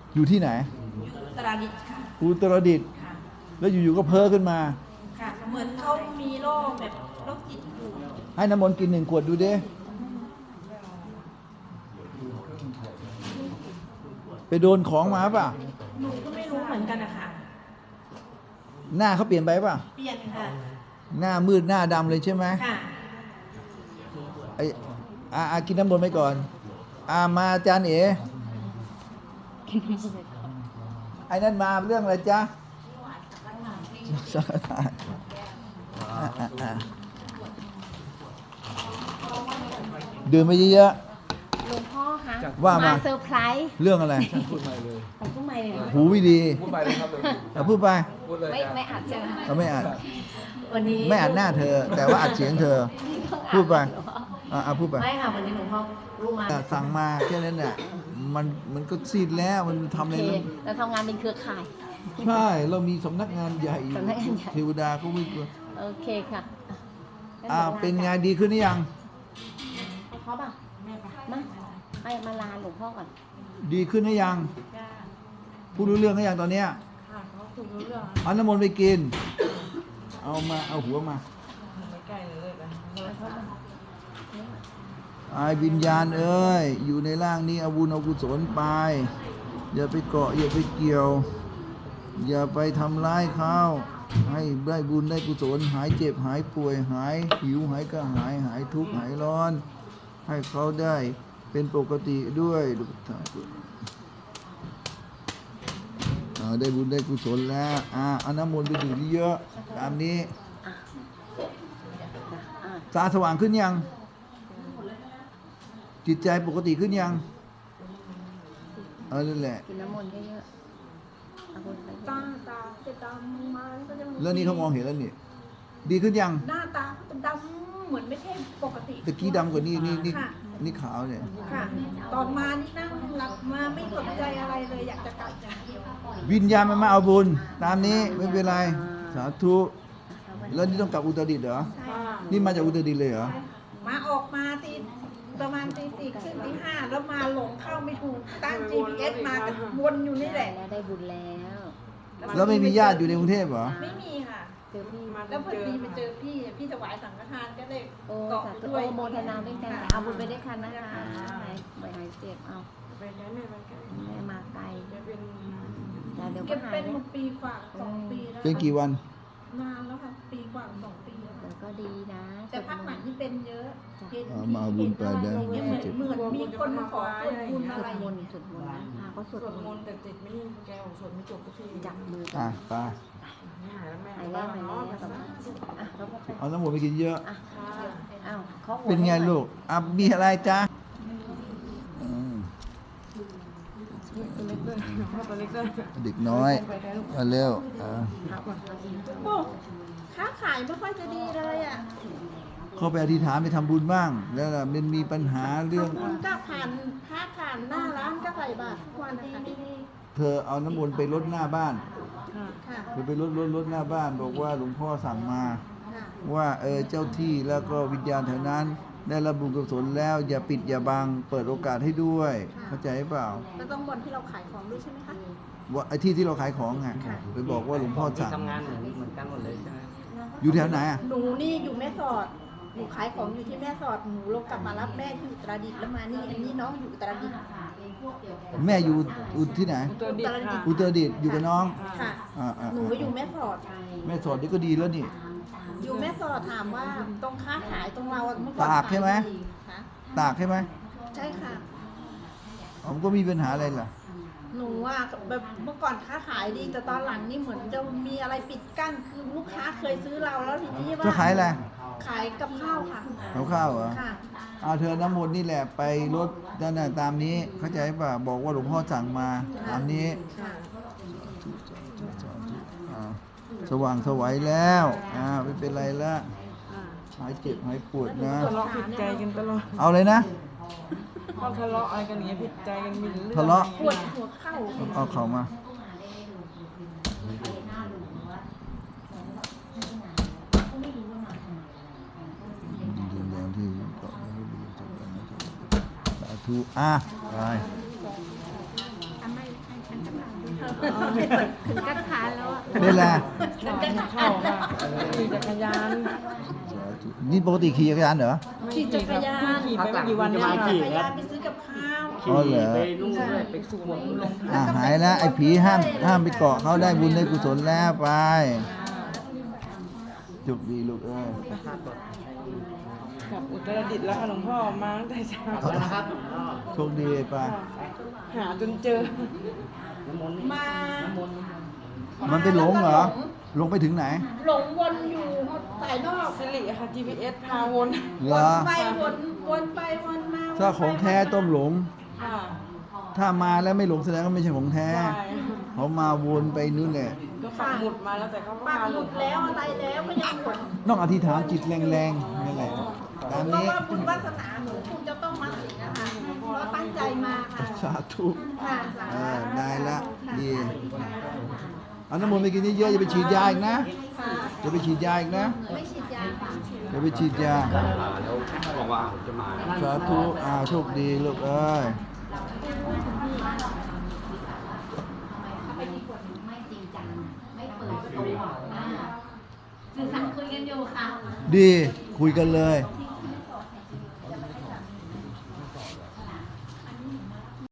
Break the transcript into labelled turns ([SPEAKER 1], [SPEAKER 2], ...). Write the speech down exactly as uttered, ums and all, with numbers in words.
[SPEAKER 1] อยู่ที่ไหน
[SPEAKER 2] อุตรดิตถ์ค่ะ
[SPEAKER 1] อุตรดิตถ์
[SPEAKER 2] ค่ะ
[SPEAKER 1] แล้วอยู่ๆก็เพ้อขึ้นมา
[SPEAKER 2] ค่ะเหมือนเขามีโรคแบบโรคจิตอยู่
[SPEAKER 1] ให้น้ำมนต์กินหนึ่งขวดดูดิไปโดนของมาป่ะ
[SPEAKER 2] หนูก็ไม่รู้เหมือนกันนะคะ
[SPEAKER 1] หน้าเขาเปลี่ยนไปป่ะ
[SPEAKER 2] เปลี่ยนค่ะ
[SPEAKER 1] หน้ามืดหน้าดำเลยใช่ไหม
[SPEAKER 2] ค่ะ
[SPEAKER 1] ไอ้อาอากินน้ำมนต์ไปก่อนอามาอาจารย์เอ๋ไอ้นั่นมาเรื่องอะไรจ๊ะสังฆทานดื่มไปเยอะ
[SPEAKER 3] หลวงพ่อคะ
[SPEAKER 1] ว่ามา
[SPEAKER 3] เซอร์ไพรส์
[SPEAKER 1] เรื่องอะไร
[SPEAKER 4] พูดใหม่เลย
[SPEAKER 3] ของผู้ใหม่เลย
[SPEAKER 1] หูไม่ดี
[SPEAKER 4] พูดใหม่เลยครับเลย
[SPEAKER 1] เอาพูดไป
[SPEAKER 4] พูดเลย
[SPEAKER 3] ไม่ไม่อัดใช่ไหม
[SPEAKER 1] เราไม่อัด
[SPEAKER 3] วันนี้
[SPEAKER 1] ไม่อัดหน้าเธอ แต่ว่าอัดเสียงเธอ พูดไปอ่าพูดไป
[SPEAKER 3] ไม่ค่ะวันนี้หลวงพ่อรู้มา
[SPEAKER 1] สั่งมาแค่นั้นแหละมันมันก็ซีดแล้วมันทำอะไรแล้ว
[SPEAKER 3] เราทำงานเป็นเครือข่าย
[SPEAKER 1] ใช่เรามีสำนักงานใหญ่
[SPEAKER 3] สำนักงานใหญ่
[SPEAKER 1] เทวดาก็วิ่งตัว
[SPEAKER 3] โอเคค่ะ
[SPEAKER 1] อ่าเป็นงานดีขึ้นหรือยัง
[SPEAKER 3] ให้เขาป่ะมาให้มาลาหลวงพ่อก่อน
[SPEAKER 1] ดีขึ้นหรือยังพูดรู้เรื่องหรือยังตอนเนี้ย
[SPEAKER 2] ค่ะเขาถูกรู้เรื่อง
[SPEAKER 1] เอาน้ำมนต์ไปกินเอามาเอาหัวมา
[SPEAKER 2] ไม่ใกล้เลยกัน
[SPEAKER 1] ไอ้วิญญาณเอ้ยอยู่ในร่างนี้เอาบุญเอากุศลไปอย่าไปเกาะอย่าไปเกี่ยวอย่าไปทำร้ายเขาให้ได้บุญได้กุศลหายเจ็บหายป่วยหายหิวหายกระหายหายทุกข์หายร้อนให้เขาได้เป็นปกติด้วยได้บุญได้กุศลแล้วอ่าเอาน้ำมนต์ไปดื่มเยอะตามนี้ตาสว่างขึ้นยังจิตใจปกติขึ้นยังเออนั่นแหละ
[SPEAKER 3] กินน้ำมนต์เยอะๆ
[SPEAKER 2] ตาตาจะดำมาก็จะ
[SPEAKER 1] แล้วนี่เขามองเห็นแล้วนี่ดีขึ้นยัง
[SPEAKER 2] หน้าตาจะดำเหมือนไม่ใช่ปกติ
[SPEAKER 1] ตะกี้ดำกว่านี้นี่นี่นี่ขาวเนี่ย
[SPEAKER 2] ค่ะตอนมานี่นั่งหลับมาไม่สนใจอะไรเลยอยากจะกลับอย่างเดียว
[SPEAKER 1] วิญญาณมันมาเอาบุญตามนี้ไม่เป็นไรสาธุแล้วนี่ต้องกลับอุตรดิตถ์เหรอนี่มาจากอุตรดิตถ์เลยเหรอ
[SPEAKER 2] มาออกมาตีประมาณตีสี่ครึ่งตีห้าแล้วมาหลงเข้าไม่ถูกตั้ง จี พี เอส มากันวนอยู่นี่แหละ
[SPEAKER 3] แล้วได้บุญแล้ว
[SPEAKER 1] แล้วไม่มีญาติอยู่ในกรุงเทพเหรอ
[SPEAKER 2] ไม่มีค่ะ
[SPEAKER 3] เจอพี่
[SPEAKER 2] แล้วพอดีไปเจอพี่พี่ถวายสังฆทานก็เลย
[SPEAKER 3] เกาะด้วยโมทนาด้วยกันเอาบุญไปด้วยกันนะคะหายไม่หายเจ็บเอา
[SPEAKER 2] ไปแล้วแม่มาไกล
[SPEAKER 3] แม่มาไกล
[SPEAKER 2] จะเป็น
[SPEAKER 3] เดี๋ยว
[SPEAKER 2] ก็หายเป็นปีกว่าสองปีแล้ว
[SPEAKER 1] เป็นกี่วัน
[SPEAKER 2] นานแล้วค่ะปีกว่าสองปีแล้ว
[SPEAKER 3] ก็ดีนะ
[SPEAKER 2] แต่พักหลังที่เป็นเยอะ
[SPEAKER 1] เห็นมาบุญไปได้
[SPEAKER 2] เหมือนเหมือนมีคนมาขอส่วนบุญอะไร
[SPEAKER 3] มนต์สวดมนต์พาเขาสวด
[SPEAKER 2] มนต์แต่จิตไม่นิ่งแกของสวดไม่จบก็ที
[SPEAKER 3] จับมือ
[SPEAKER 1] อ่ะไป
[SPEAKER 2] หายแล้วแม่
[SPEAKER 3] หายแล้วหายแล้ว
[SPEAKER 1] เอาน้ำหมูไปกินเยอะ
[SPEAKER 3] อ้าวเขา
[SPEAKER 1] เป็นไงลูกอ่ะมีอะไรจ๊ะเด็กน้อยมาเร็ว
[SPEAKER 2] ค้าขายไม่ค่อยจะดีเลยอ่ะ
[SPEAKER 1] เข้าไปอธิษฐานไปทำบุญบ้างแล้วมันมีปัญหาเรื่อง
[SPEAKER 2] ทำบุญก็ผ่านค้าผ่านหน้าร้านก็ใส่บาตรทุกวันนะคะ
[SPEAKER 1] เธอเอาน้ำมนต์ไปรดหน้าบ้านเธอไปรดรดรดหน้าบ้านบอกว่าหลวงพ่อสั่งมาว่าเออเจ้าที่แล้วก็วิญญาณแถวนั้นได้รับบุญกุศลแล้วอย่าปิดอย่าบังเปิดโอกาสให้ด้วยเข้าใจเปล่า
[SPEAKER 2] แล้วต้องบนที่เราขายของด้วยใช่ไหมคะ
[SPEAKER 1] ว่าไอ้ที่ที่เราขายของไงไปบอกว่าหลวงพ่อสั่ง
[SPEAKER 4] ทำงานเหมือนเหมือนกันหมดเลยใช่ไหม
[SPEAKER 1] อยู่แถวไหนอ่ะ
[SPEAKER 2] หนูนี่อยู่แม่สอดหนูขายของอยู่ที่แม่สอดหนูลงกลับมารับแม่ที่อุตรดิตถ์แล้วมานี่อันนี้น้องอยู่อุตรดิตถ์
[SPEAKER 1] แม่อยู่อุที่ไหนอุตรดิตถ์อยู่กับน้อง
[SPEAKER 2] ค่ะหนูอยู่แม่สอด
[SPEAKER 1] แม่สอดนี่ก็ดีแล้วนี่
[SPEAKER 2] อยู่แม่สอดถามว่าตรงค้าขายตรงเราเมื่อก่อน
[SPEAKER 1] ตากใช่ไหมตากใช่ไหม
[SPEAKER 2] ใช่ค่ะ
[SPEAKER 1] ผมก็มีปัญหาอะไรล่ะ
[SPEAKER 2] หนูอ่ะแบบเมื่อก่อนค้าขายดีแต่ตอนหลังนี่เหมือนจะมีอะไรปิดกั้นคือลูกค้าเคยซื้อเราแล้วทีนี้ว่า
[SPEAKER 1] จะขายอะไร
[SPEAKER 2] ขายกับข้าวค่ะ
[SPEAKER 1] กับข้าวเหรอค่ะเอาเธอน้ำมนต์นี่แหละไปรถนั่นน่ะตามนี้เข้าใจป่ะบอกว่าหลวงพ่อสั่งมาตามนี้สว่างสวัยแล้วอ่าไม่เป็นไรละหายเจ็บหายปวดนะ
[SPEAKER 2] ทะเลาะผิดใจกันตลอด
[SPEAKER 1] เอาเลยนะ
[SPEAKER 2] พอทะเลาะอะไรกันอย่างเงี้ยผิดใจกันมีเรื่อง
[SPEAKER 1] ทะเลาะ
[SPEAKER 2] ปวดหัวเข่า
[SPEAKER 1] เอาเข่ามาสาธุอ่ะไป
[SPEAKER 3] ถึงกัดขาแล้วอะ
[SPEAKER 1] นี่แหละ
[SPEAKER 2] ฉันจะ
[SPEAKER 5] เข้าค่ะขี่จักรยาน
[SPEAKER 1] นี่ปกติขี่จักรยานเหรอ
[SPEAKER 2] ขี่จักรยาน
[SPEAKER 5] ขี่ไปไม่กี่วันเนี่ย
[SPEAKER 2] ขี่จักร
[SPEAKER 5] ค่ะ
[SPEAKER 2] ยานไปซื้อกับข้าว
[SPEAKER 1] อ๋อเหรอ
[SPEAKER 4] ไปนู่นด้วยไปทุกวงลง
[SPEAKER 1] อ่ะหายแล้วไอ้ผีห้ามห้ามไปเกาะเขาได้บุญได้กุศลแล้วไปจุกดีลูกเอ้ย
[SPEAKER 5] กลับอุตรดิตถ์แล้วค่ะหลวงพ่อมาตั้งแต่เช้า
[SPEAKER 4] แล้วนะครับ
[SPEAKER 1] โชคดีไป
[SPEAKER 5] หาจนเจอ
[SPEAKER 4] น้ำมนต์
[SPEAKER 2] มา
[SPEAKER 4] น้ำมนต์
[SPEAKER 1] มันไปหลงเหรอหลงไปถึงไหน
[SPEAKER 2] หลงวนอยู่สายนอก
[SPEAKER 5] สิริค่ะ จี พี เอส พาวน
[SPEAKER 1] เหร
[SPEAKER 2] วน
[SPEAKER 1] อ
[SPEAKER 2] ไปวนวนไปวนมา
[SPEAKER 1] ถ้าของแท้ต้องหลง
[SPEAKER 5] ค่ะ
[SPEAKER 1] ถ้ามาแล้วไม่หลงแสดงว่าไม่ใช่ของแท้
[SPEAKER 5] ใช่
[SPEAKER 1] เขามาวนไปนู่นแหละ
[SPEAKER 5] ก็ปักหมุดมาแล้วแต่เขาก็
[SPEAKER 2] ปัก
[SPEAKER 5] มา
[SPEAKER 2] ห
[SPEAKER 5] ห
[SPEAKER 2] มุ
[SPEAKER 5] ลุ
[SPEAKER 2] ด
[SPEAKER 5] ด
[SPEAKER 2] แล้วอะไรแล้วก็ยังหลง
[SPEAKER 1] ต้องอธิษฐานจิตแรงๆนั่นแหละตาม
[SPEAKER 2] เพราะ
[SPEAKER 1] นี้
[SPEAKER 2] ว่าบุญวาสนาหนูคงจะต้องมาถึงนะคะเราตั้งใจมาค่ะ
[SPEAKER 1] สาธุ
[SPEAKER 2] ค่ะสา
[SPEAKER 1] เออ
[SPEAKER 2] ธุ
[SPEAKER 1] ได้ละดีเอาน้ำมนต์ไปกินเยอะๆอย่าไปฉีดยาอีกนะอย่าไปฉีดยาอีกนะ
[SPEAKER 3] ไม่ฉีดยาค่ะ
[SPEAKER 1] อย่าไปฉีดยา
[SPEAKER 4] แล้วบอกว่าจะมา
[SPEAKER 1] สาธุอ่าโชคดีลูกเอ้ย
[SPEAKER 3] ไม่จริงจังไม่เปิดตัวอ่าสื่อสารคุยกันอยู่ค่ะ
[SPEAKER 1] ดีคุยกันเลย
[SPEAKER 3] ที่